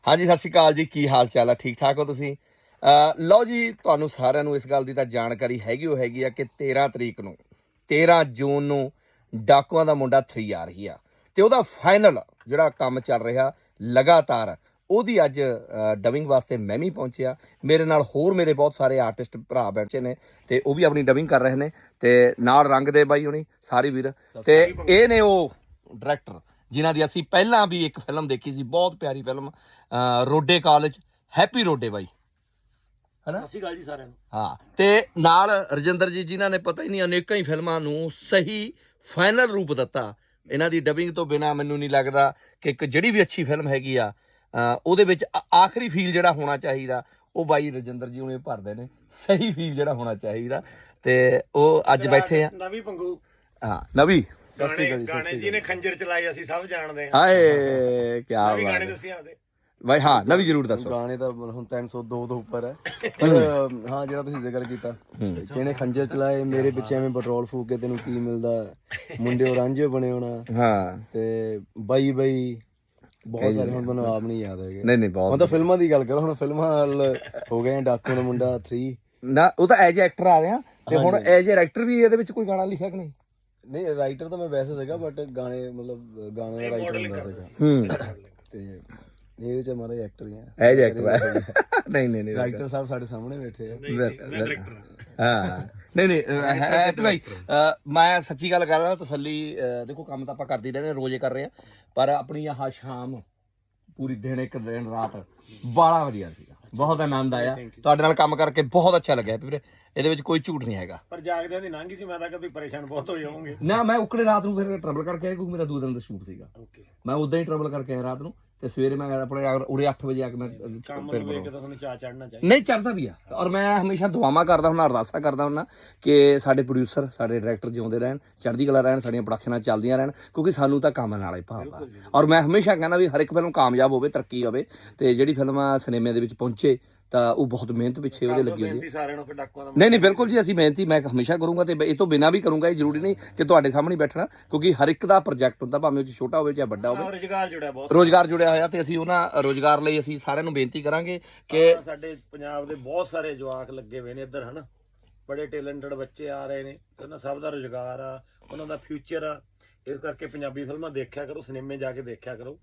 ਹਾਂਜੀ ਸਤਿ ਸ਼੍ਰੀ ਅਕਾਲ ਜੀ, ਕੀ ਹਾਲ ਚਾਲ ਆ? ਠੀਕ ਠਾਕ ਹੋ ਤੁਸੀਂ? ਲਓ ਜੀ, ਤੁਹਾਨੂੰ ਸਾਰਿਆਂ ਨੂੰ ਇਸ ਗੱਲ ਦੀ ਤਾਂ ਜਾਣਕਾਰੀ ਹੈਗੀ ਆ ਕਿ 13 ਤਰੀਕ ਨੂੰ 13 ਜੂਨ ਨੂੰ ਡਾਕੂਆਂ ਦਾ ਮੁੰਡਾ 3 ਆ ਰਹੀ ਆ ਤੇ ਉਹਦਾ ਫਾਈਨਲ ਜਿਹੜਾ ਕੰਮ ਚੱਲ ਰਿਹਾ ਲਗਾਤਾਰ ਉਹਦੀ ਅੱਜ ਡਬਿੰਗ ਵਾਸਤੇ ਮੈਂ ਵੀ ਪਹੁੰਚਿਆ। ਮੇਰੇ ਨਾਲ ਹੋਰ ਮੇਰੇ ਬਹੁਤ ਸਾਰੇ ਆਰਟਿਸਟ ਭਰਾ ਬੈਠੇ ਨੇ ਤੇ ਉਹ ਵੀ ਆਪਣੀ ਡਬਿੰਗ ਕਰ ਰਹੇ ਨੇ ਤੇ ਨਾਲ ਰੰਗ ਦੇ ਬਾਈ ਹੁਣੀ ਸਾਰੀ ਵੀਰ ਤੇ ਇਹ ਨੇ ਉਹ ਡਾਇਰੈਕਟਰ ਜਿਨ੍ਹਾਂ ਦੀ ਅਸੀਂ ਪਹਿਲਾਂ ਵੀ ਇੱਕ ਫਿਲਮ ਦੇਖੀ ਸੀ, ਬਹੁਤ ਪਿਆਰੀ film Rode college, Happy Rode ਬਾਈ ਹਨਾ। ਸਤਿ ਸ਼੍ਰੀ ਅਕਾਲ ਜੀ ਸਾਰਿਆਂ ਨੂੰ। ਹਾਂ, ਤੇ ਨਾਲ ਰਜਿੰਦਰ ਜੀ ਜਿਨ੍ਹਾਂ ਨੇ ਪਤਾ ਹੀ ਨਹੀਂ ਅਨੇਕਾਂ ਹੀ ਫਿਲਮਾਂ ਨੂੰ ਸਹੀ ਫਾਈਨਲ ਰੂਪ ਦਿੱਤਾ। ਇਹਨਾਂ ਦੀ ਡਬਿੰਗ ਤੋਂ ਬਿਨਾਂ ਮੈਨੂੰ ਨਹੀਂ ਲੱਗਦਾ ਕਿ ਇੱਕ ਜਿਹੜੀ ਵੀ ਅੱਛੀ ਫਿਲਮ ਹੈਗੀ ਆ ਉਹਦੇ ਵਿੱਚ ਆਖਰੀ ਫੀਲ ਜਿਹੜਾ ਹੋਣਾ ਚਾਹੀਦਾ ਉਹ ਬਾਈ ਰਜਿੰਦਰ ਜੀ ਉਹਨੇ ਭਰਦੇ ਨੇ, ਸਹੀ ਫੀਲ ਜਿਹੜਾ ਹੋਣਾ ਚਾਹੀਦਾ। ਤੇ ਉਹ ਅੱਜ ਬੈਠੇ ਆ ਨਵੀਂ ਪੰਗੂ। ਹਾਂ ਨਵੀਂ ਗਾਣੇ ਜੀ ਨੇ ਖੰਜਰ ਚਲਾਈ, ਅਸੀਂ ਸਭ ਜਾਣਦੇ ਹਾਂ। ਹਾਏ ਕੀ ਨਵੀਂ ਬਾਤ ਗਾਣੇ ਹੈ ਦੱਸੀ ਆਦੇ ਬਾਈ। ਹਾਂ ਨਵੀਂ ਜ਼ਰੂਰ ਦੱਸੋ। ਗਾਣੇ ਤਾਂ ਹੁਣ 302 ਤੋਂ ਉੱਪਰ ਹੈ ਪਰ ਹਾਂ ਜਿਹੜਾ ਤੁਸੀਂ ਜ਼ਿਕਰ ਕੀਤਾ ਕਿਹਨੇ ਖੰਜਰ ਚਲਾਏ, ਮੇਰੇ ਪਿੱਛੇ ਐਵੇਂ ਪੈਟਰੋਲ ਫੂਕ ਕੇ ਤੈਨੂੰ ਕੀ ਮਿਲਦਾ, ਮੁੰਡੇ ਔਰੰਜੇ ਬਣੇ ਹੋਣਾ, ਹਾਂ ਤੇ ਬਾਈ ਬਹੁਤ ਸਾਰੇ ਹੁਣ ਮੈਨੂੰ ਆਪ ਨਹੀਂ ਯਾਦ ਹੈਗੇ। ਨਹੀਂ ਹੁਣ ਬਹੁਤ ਤਾਂ ਫਿਲਮਾਂ ਦੀ ਗੱਲ ਕਰੋ, ਹੁਣ ਫਿਲਮਾਂ ਵੱਲ ਹੋ ਗਏ ਡਾਕੂ ਦਾ ਮੁੰਡਾ 3। ਨਾ ਉਹ ਤਾਂ ਐਜ ਐਕਟਰ ਆ ਰਿਹਾ ਤੇ ਹੁਣ ਐਜ ਐਕਟਰ ਵੀ ਇਹਦੇ ਵਿੱਚ ਕੋਈ ਗਾਣਾ ਲਿਖਿਆ ਕਿ ਨਹੀਂ? ਨਹੀਂ ਰਾਈਟਰ ਤਾਂ ਮੈਂ ਵੈਸੇ ਸੀਗਾ ਬਟ ਗਾਣੇ ਮਤਲਬ ਗਾਣੇ ਦਾ ਰਾਈਟਰ ਹੁੰਦਾ ਸੀਗਾ ਤੇ ਇਹਦੇ ਚ ਮਾਰੇ ਐਕਟਰ ਹੀ ਆ, ਐਜ ਐਕਟਰ ਆ। ਨਹੀਂ ਰਾਈਟਰ ਸਾਹਿਬ ਸਾਡੇ ਸਾਹਮਣੇ ਬੈਠੇ ਆ। ਹਾਂ ਨਹੀਂ ਹੈਪੀ ਭਾਈ, ਮੈਂ ਸੱਚੀ ਗੱਲ ਕਰ ਰਿਹਾ, ਤਸੱਲੀ ਦੇਖੋ ਕੰਮ ਤਾਂ ਆਪਾਂ ਕਰਦੇ ਹੀ ਰਹਿੰਦੇ, ਰੋਜ਼ੇ ਕਰ ਰਹੇ ਆ, ਪਰ ਆਪਣੀ ਆਹ ਸ਼ਾਮ ਪੂਰੀ ਦਿਨ ਇੱਕ ਦਿਨ ਰਾਤ ਬਾਲਾ ਵਧੀਆ ਸੀਗਾ, ਬਹੁਤ ਆਨੰਦ ਆਇਆ ਤੁਹਾਡੇ ਨਾਲ ਕੰਮ ਕਰਕੇ, ਬਹੁਤ ਅੱਛਾ ਲੱਗਿਆ ਵੀਰੇ, ਇਹਦੇ ਵਿੱਚ ਕੋਈ ਝੂਠ ਨਹੀਂ ਹੈਗਾ। ਪਰ ਜਾਗਦਿਆਂ ਦੀ ਲੰਘੀ ਸੀ, ਮੈਂ ਤਾਂ ਕਦੇ ਪਰੇਸ਼ਾਨ ਬਹੁਤ ਹੋ ਜਾਵਾਂਗੇ ਨਾ ਮੈਂ ਉਕੜੇ ਰਾਤ ਨੂੰ ਫਿਰ ਟਰਬਲ ਕਰਕੇ ਆਇਆ ਕਿਉਂਕਿ ਮੇਰਾ 2 ਦਿਨ ਦਾ ਸ਼ੂਟ ਸੀਗਾ। ਓਕੇ, ਮੈਂ ਉਦਾਂ ਹੀ ਟਰਬਲ ਕਰਕੇ ਆਇਆ ਰਾਤ ਨੂੰ ਤੇ ਸਵੇਰੇ ਮੈਂ ਆਪਣੇ ਉਰੇ 8 ਵਜੇ ਆ ਕੇ ਮੈਂ ਕੰਮ ਨੂੰ ਵੇਖ ਕੇ ਤਾਂ ਤੁਹਾਨੂੰ ਚਾਹ ਚੜਨਾ ਚਾਹੀਦਾ। ਨਹੀਂ ਚੜਦਾ ਵੀ ਆ, ਔਰ ਮੈਂ ਹਮੇਸ਼ਾ ਦੁਆਵਾਂ ਕਰਦਾ ਹੁੰਦਾ, ਅਰਦਾਸਾਂ ਕਰਦਾ ਹੁੰਦਾ ਕਿ ਸਾਡੇ ਪ੍ਰੋਡਿਊਸਰ ਸਾਡੇ ਡਾਇਰੈਕਟਰ ਜਿਉਂਦੇ ਰਹਿਣ, ਚੜ੍ਹਦੀ ਕਲਾ ਰਹਿਣ, ਸਾਡੀਆਂ ਪ੍ਰੋਡਕਸ਼ਨਾਂ ਚੱਲਦੀਆਂ ਰਹਿਣ, ਕਿਉਂਕਿ ਸਾਨੂੰ ਤਾਂ ਕੰਮ ਨਾਲ ਹੀ ਭਾਵ ਆ। ਔਰ ਮੈਂ ਹਮੇਸ਼ਾ ਕਹਿੰਦਾ ਵੀ ਹਰ ਇੱਕ ਫਿਲਮ ਕਾਮਯਾਬ ਹੋਵੇ, ਤਰੱਕੀ ਹੋਵੇ, ਤੇ ਜਿਹੜੀ ਫਿਲਮ ਸਿਨੇਮੇ ਦੇ ਵਿੱਚ ਪਹੁੰਚੇ ਤਾਂ ਉਹ ਬਹੁਤ ਮਿਹਨਤ ਪਿੱਛੇ ਉਹਦੇ ਲੱਗੀ ਹੁੰਦੀ ਹੈ। ਸਾਰਿਆਂ ਨੂੰ ਡਾਕੂਆਂ ਦਾ ਨਹੀਂ ਬਿਲਕੁਲ ਜੀ, ਅਸੀਂ ਮਿਹਨਤੀ ਮੈਂ ਹਮੇਸ਼ਾ ਕਰੂੰਗਾ ਤੇ ਇਹ ਤੋਂ ਬਿਨਾਂ ਵੀ ਕਰੂੰਗਾ। ਇਹ ਜ਼ਰੂਰੀ ਨਹੀਂ ਕਿ ਤੁਹਾਡੇ ਸਾਹਮਣੇ ਬੈਠਣਾ, ਕਿਉਂਕਿ ਹਰ ਇੱਕ ਦਾ ਪ੍ਰੋਜੈਕਟ ਹੁੰਦਾ, ਭਾਵੇਂ ਉਹ ਛੋਟਾ ਹੋਵੇ ਚਾਹੇ ਵੱਡਾ ਹੋਵੇ, ਰੁਜ਼ਗਾਰ ਜੁੜਿਆ ਬਹੁਤ, ਰੋਜ਼ਗਾਰ ਜੁੜਿਆ ਹੋਇਆ, ਤੇ ਅਸੀਂ ਉਹਨਾਂ ਰੋਜ਼ਗਾਰ ਲਈ ਅਸੀਂ ਸਾਰਿਆਂ ਨੂੰ ਬੇਨਤੀ ਕਰਾਂਗੇ ਕਿ ਸਾਡੇ ਪੰਜਾਬ ਦੇ ਬਹੁਤ ਸਾਰੇ ਜਵਾਕ ਲੱਗੇ ਹੋਏ ਨੇ ਇੱਧਰ ਹਨਾ, ਬੜੇ ਟੈਲੈਂਟਡ ਬੱਚੇ ਆ ਰਹੇ ਨੇ, ਉਹਨਾਂ ਸਭ ਦਾ ਰੁਜ਼ਗਾਰ ਆ, ਉਹਨਾਂ ਦਾ ਫਿਊਚਰ ਆ। ਇਸ ਕਰਕੇ ਪੰਜਾਬੀ ਫਿਲਮਾਂ ਦੇਖਿਆ ਕਰੋ, ਸਿਨੇਮੇ ਜਾ ਕੇ ਦੇਖਿਆ ਕਰੋ,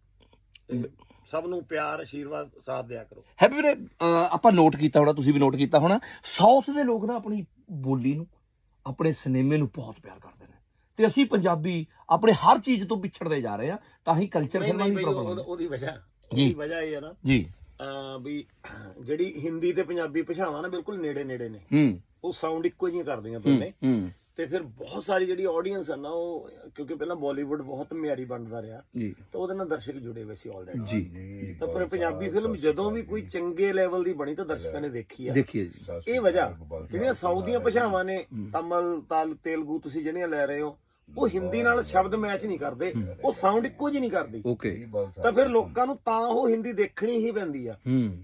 ਸਭ ਨੂੰ ਪਿਆਰ ਆਸ਼ੀਰਵਾਦ ਸਾਥ ਦਿਆ ਕਰੋ। ਹੈਪੀ ਵੀਰੇ, ਆਪਾਂ ਨੋਟ ਕੀਤਾ ਹੋਣਾ, ਤੁਸੀਂ ਵੀ ਨੋਟ ਕੀਤਾ ਹੋਣਾ, ਸਾਊਥ ਦੇ ਲੋਕ ਨਾ ਆਪਣੀ ਬੋਲੀ ਨੂੰ, ਆਪਣੇ ਸਿਨੇਮੇ ਨੂੰ ਬਹੁਤ ਪਿਆਰ ਕਰਦੇ ਨੇ, ਤੇ ਅਸੀਂ ਪੰਜਾਬੀ ਆਪਣੇ ਹਰ ਚੀਜ਼ ਤੋਂ ਪਿਛੜਦੇ ਜਾ ਰਹੇ ਆ, ਤਾਂ ਹੀ ਕਲਚਰ ਫਿਲਮਾਂ ਦੀ ਪ੍ਰੋਬਲਮ। ਉਹਦੀ ਵਜ੍ਹਾ ਇਹ ਹੈ ਨਾ ਜੀ ਵੀ ਜਿਹੜੀ ਹਿੰਦੀ ਤੇ ਪੰਜਾਬੀ ਭਾਸ਼ਾਵਾਂ ਨਾ ਬਿਲਕੁਲ ਨੇੜੇ ਨੇ, ਉਹ ਸਾਊਂਡ ਇੱਕੋ ਜਿਹੀਆਂ ਕਰਦੀਆਂ ਦੋਨੇ, ਤੇ ਫਿਰ ਬਹੁਤ ਸਾਰੀ ਜਿਹੜੀ ਆਡੀਅנס ਹੈ ਨਾ, ਉਹ ਕਿਉਂਕਿ ਪਹਿਲਾਂ ਬਾਲੀਵੁੱਡ ਬਹੁਤ ਮਿਆਰੀ ਬਣਦਾ ਰਿਹਾ ਤਾਂ ਉਹਦੇ ਨਾਲ ਦਰਸ਼ਕ ਜੁੜੇ ਹੋਏ ਸੀ ਆਲਰੇਡੀ ਜੀ। ਤਾਂ ਪਰ ਪੰਜਾਬੀ ਫਿਲਮ ਜਦੋਂ ਵੀ ਕੋਈ ਚੰਗੇ ਲੈਵਲ ਦੀ ਬਣੀ ਤਾਂ ਦਰਸ਼ਕਾਂ ਨੇ ਦੇਖੀ ਆ। ਦੇਖੀਏ ਜੀ, ਇਹ ਵਜ੍ਹਾ ਜਿਹੜੀਆਂ ਸਾਊਥ ਦੀਆਂ ਭਾਸ਼ਾਵਾਂ ਨੇ, ਤਮਿਲ ਤੇਲਗੂ ਤੁਸੀਂ ਜਿਹੜੀਆਂ ਲੈ ਰਹੇ ਹੋ, ਉਹ ਹਿੰਦੀ ਨਾਲ ਸ਼ਬਦ ਮੈਚ ਨਹੀਂ ਕਰਦੇ, ਉਹ ਸਾਊਂਡ ਇੱਕੋ ਜਿਹੀ ਨਹੀਂ ਕਰਦੀ। ਓਕੇ, ਤਾਂ ਫਿਰ ਲੋਕਾਂ ਨੂੰ ਤਾਂ ਉਹ ਹਿੰਦੀ ਦੇਖਣੀ ਹੀ ਪੈਂਦੀ ਆ,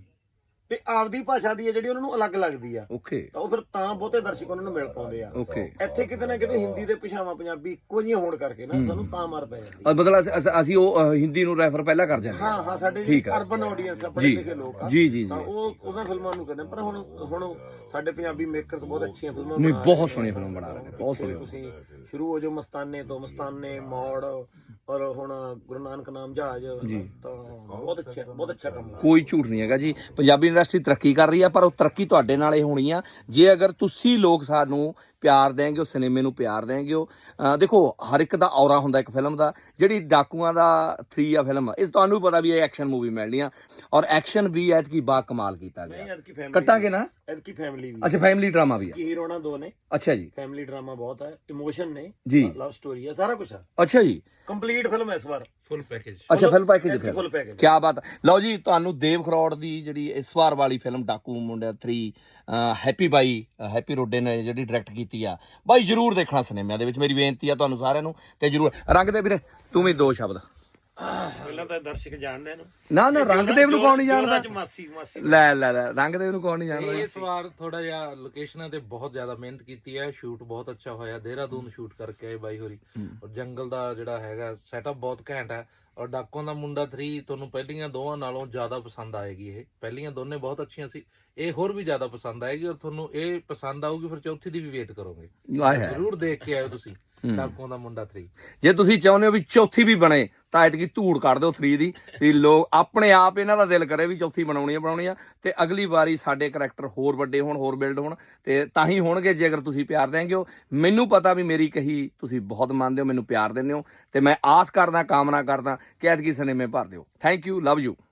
ਤੇ ਆਪਦੀ ਭਾਸ਼ਾ ਦੀ ਹੈ ਜਿਹੜੀ ਉਹਨਾਂ ਨੂੰ ਅਲੱਗ ਲੱਗਦੀ ਆ। ਓਕੇ, ਤਾਂ ਉਹ ਫਿਰ ਤਾਂ ਬਹੁਤੇ ਦਰਸ਼ਕ ਉਹਨਾਂ ਨੂੰ ਮਿਲ ਪਾਉਂਦੇ ਆ। ਓਕੇ, ਇੱਥੇ ਕਿਤੇ ਨਾ ਕਿਤੇ ਹਿੰਦੀ ਦੇ ਭਾਸ਼ਾਵਾਂ ਪੰਜਾਬੀ ਇੱਕੋ ਜਿਹੀਆਂ ਹੋਣ ਕਰਕੇ ਨਾ ਸਾਨੂੰ ਤਾਂ ਮਾਰ ਪੈ ਜਾਂਦੀ। ਮਤਲਬ ਅਸੀਂ ਉਹ ਹਿੰਦੀ ਨੂੰ ਰੈਫਰ ਪਹਿਲਾਂ ਕਰ ਜਾਂਦੇ ਹਾਂ ਸਾਡੇ ਅਰਬਨ ਆਡੀਅנס ਆ, ਪੜ੍ਹੇ ਲਿਖੇ ਲੋਕ ਆ, ਜੀ ਤਾਂ ਉਹ ਉਹਨਾਂ ਫਿਲਮਾਂ ਨੂੰ ਕਹਿੰਦੇ। ਪਰ ਹੁਣ ਸਾਡੇ ਪੰਜਾਬੀ ਮੇਕਰਸ ਬਹੁਤ ਅੱਛੀਆਂ ਫਿਲਮਾਂ ਨਹੀਂ, ਬਹੁਤ ਸੋਹਣੀਆਂ ਫਿਲਮ ਬਣਾ ਰਹੇ ਨੇ, ਬਹੁਤ ਸੋਹਣੀਆਂ। ਤੁਸੀਂ ਸ਼ੁਰੂ ਹੋ ਜਾਓ ਮਸਤਾਨੇ ਤੋਂ, ਮਸਤਾਨੇ, ਮੋੜ, ਔਰ ਹੁਣ ਗੁਰੂ ਨਾਨਕ ਨਾਮ ਜਹਾਜ਼, ਤਾਂ ਬਹੁਤ ਅੱਛਾ ਕੰਮ ਹੈ। ਕੋਈ ਝੂਠ ਨਹੀਂ ਹੈਗਾ ਜੀ, ਪੰਜਾਬੀ ਇੰਡਸਟਰੀ ਤਰੱਕੀ ਕਰ ਰਹੀ ਆ, ਪਰ ਉਹ ਤਰੱਕੀ ਤੁਹਾਡੇ ਨਾਲ ਹੀ ਹੋਣੀ ਆ ਜੇ ਅਗਰ ਤੁਸੀਂ ਲੋਕ ਸਾਨੂੰ ਪਿਆਰ ਦੇਂਗੇ, ਉਹ ਸਿਨੇਮੇ ਨੂੰ ਪਿਆਰ ਦੇਂਗੇ। ਉਹ ਦੇਖੋ ਹਰ ਇੱਕ ਦਾ ਔਰਾ ਹੁੰਦਾ ਇੱਕ ਫਿਲਮ ਦਾ। ਜਿਹੜੀ ਡਾਕੂਆਂ ਦਾ 3 ਆ ਫਿਲਮ, ਇਸ ਤੁਹਾਨੂੰ ਪਤਾ ਵੀ ਇਹ ਐਕਸ਼ਨ ਮੂਵੀ ਮਿਲਣੀ ਆ, ਔਰ ਐਕਸ਼ਨ ਵੀ ਐਤਕੀ ਬਾ ਕਮਾਲ ਕੀਤਾ ਗਿਆ। ਕੱਟਾਂਗੇ ਨਾ ਐਤਕੀ ਫੈਮਿਲੀ ਵੀ, ਅੱਛਾ ਫੈਮਿਲੀ ਡਰਾਮਾ ਵੀ ਆ, ਹੀਰੋਣਾ 2 ਨੇ। ਅੱਛਾ ਜੀ, ਫੈਮਿਲੀ ਡਰਾਮਾ ਬਹੁਤ ਹੈ, ਇਮੋਸ਼ਨ ਨੇ ਜੀ, ਲਵ ਸਟੋਰੀ ਹੈ, ਸਾਰਾ ਕੁਝ ਹੈ। ਅੱਛਾ ਜੀ, ਕੰਪਲੀਟ ਫਿਲਮ ਇਸ ਵਾਰ, ਫੁੱਲ ਪੈਕੇਜ। ਅੱਛਾ ਫੁੱਲ ਪੈਕੇਜ, ਫੁੱਲ ਪੈਕੇਜ, ਕੀ ਬਾਤ। ਲਓ ਜੀ, ਤੁਹਾਨੂੰ ਦੇਵ ਖਰੋੜ ਦੀ ਜਿਹੜੀ ਇਸ ਵਾਰ ਵਾਲੀ ਫਿਲਮ ਡਾਕੂ ਮੁੰਡਾ 3 ਹੈਪੀ ਬਾਈ, ਹੈਪੀ ਰੋਡੇ ਨੇ ਜਿਹੜੀ ਡਾਇਰੈਕਟ ਕੀਤੀ ਆ, ਬਾਈ ਜ਼ਰੂਰ ਦੇਖਣਾ ਸਿਨੇਮਿਆਂ ਦੇ ਵਿੱਚ, ਮੇਰੀ ਬੇਨਤੀ ਆ ਤੁਹਾਨੂੰ ਸਾਰਿਆਂ ਨੂੰ। ਤੇ ਜ਼ਰੂਰ ਰੰਗ ਦੇ ਵੀਰੇ ਤੂੰ ਵੀ 2 ਸ਼ਬਦ। ਪਹਿਲਾਂ ਤਾਂ ਦਰਸ਼ਕ ਜਾਣਦੇ ਇਹਨੂੰ, ਨਾ ਰੰਗਦੇਵ ਨੂੰ ਕੌਣ ਨਹੀਂ ਜਾਣਦਾ? ਮਾਸੀ ਲੈ ਰੰਗਦੇਵ ਨੂੰ ਕੌਣ ਨਹੀਂ ਜਾਣਦਾ? ਇਸ ਵਾਰ ਥੋੜਾ ਜਿਹਾ ਲੋਕੇਸ਼ਨਾਂ ਤੇ ਬਹੁਤ ਜ਼ਿਆਦਾ ਮਿਹਨਤ ਕੀਤੀ ਹੈ, ਸ਼ੂਟ ਬਹੁਤ ਅੱਛਾ ਹੋਇਆ, ਦੇਹਰਾਦੂਨ ਸ਼ੂਟ ਕਰਕੇ ਆਏ ਬਾਈ ਹੋਰੀ, ਔਰ ਜੰਗਲ ਦਾ ਜਿਹੜਾ ਹੈਗਾ ਸੈਟਅਪ ਬਹੁਤ ਘੈਂਟ ਹੈ, ਔਰ ਡਾਕੂਆਂ ਦਾ ਮੁੰਡਾ 3 ਤੁਹਾਨੂੰ ਪਹਿਲੀਆਂ ਦੋਵਾਂ ਨਾਲੋਂ ਜ਼ਿਆਦਾ ਪਸੰਦ ਆਏਗੀ। ਇਹ ਪਹਿਲੀਆਂ ਦੋਨੇ ਬਹੁਤ ਅੱਛੀਆਂ ਸੀ, ਇਹ ਹੋਰ ਵੀ ਜ਼ਿਆਦਾ ਪਸੰਦ ਆਏਗੀ ਔਰ ਤੁਹਾਨੂੰ ਇਹ ਪਸੰਦ ਆਊਗੀ, ਫਿਰ ਚੌਥੀ ਦੀ ਵੀ ਵੇਟ ਕਰੋਗੇ। ਆਏ ਹੈ ਜ਼ਰੂਰ ਦੇਖ ਕੇ ਆਇਓ ਤੁਸੀਂ ਡਾਕੂਆਂ ਦਾ ਮੁੰਡਾ 3। ਜੇ ਤੁਸੀਂ ਚਾਹੁੰਦੇ ਹੋ ਵੀ ਚੌਥੀ ਵੀ ਬਣੇ ਤਾਂ ਐਤਕੀ ਧੂੜ ਕੱਢ ਦਿਓ 3 ਦੀ, ਵੀ ਲੋਕ ਆਪਣੇ ਆਪ ਇਹਨਾਂ ਦਾ ਦਿਲ ਕਰੇ ਵੀ ਚੌਥੀ ਬਣਾਉਣੀ ਆ ਤੇ ਅਗਲੀ ਵਾਰੀ ਸਾਡੇ ਕਰੈਕਟਰ ਹੋਰ ਵੱਡੇ ਹੋਣ, ਹੋਰ ਬਿਲਡ ਹੋਣ, ਤੇ ਤਾਂ ਹੀ ਹੋਣਗੇ ਜੇ ਅਗਰ ਤੁਸੀਂ ਪਿਆਰ ਦੇਂਗੇ ਹੋ। ਮੈਨੂੰ ਪਤਾ ਵੀ ਮੇਰੀ ਕਹੀ ਤੁਸੀਂ ਬਹੁਤ ਮੰਨਦੇ ਹੋ, ਮੈਨੂੰ ਪਿਆਰ ਦਿੰਦੇ ਹੋ, ਤੇ ਮੈਂ ਆਸ ਕਰਦਾ, ਕਾਮਨਾ ਕਰਦਾ ਕਿ ਐਤਕੀ ਸਿਨੇਮੇ ਭਰ ਦਿਓ। Thank you, love you.